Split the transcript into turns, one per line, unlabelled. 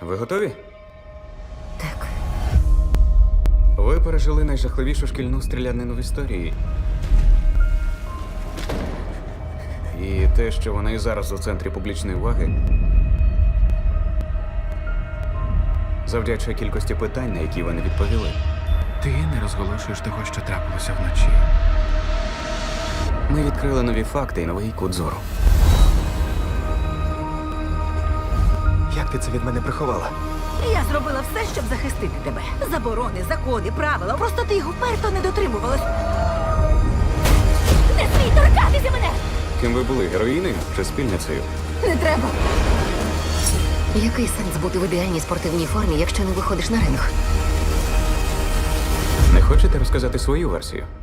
Ви готові?
Так.
Ви пережили найжахливішу шкільну стрілянину в історії. І те, що вона і зараз у центрі публічної уваги, завдячує кількості питань, на які ви не відповіли.
Ти не розголошуєш того, що трапилося вночі.
Ми відкрили нові факти і новий кут зору.
Як ти це від мене приховала?
Я зробила все, щоб захистити тебе. Заборони, закони, правила. Просто ти їх вперто не дотримувалась. Не смій торкатися мене!
Ким ви були, героїною чи спільницею?
Не треба.
Який сенс бути в ідеальній спортивній формі, якщо не виходиш на ринг?
Не хочете розказати свою версію?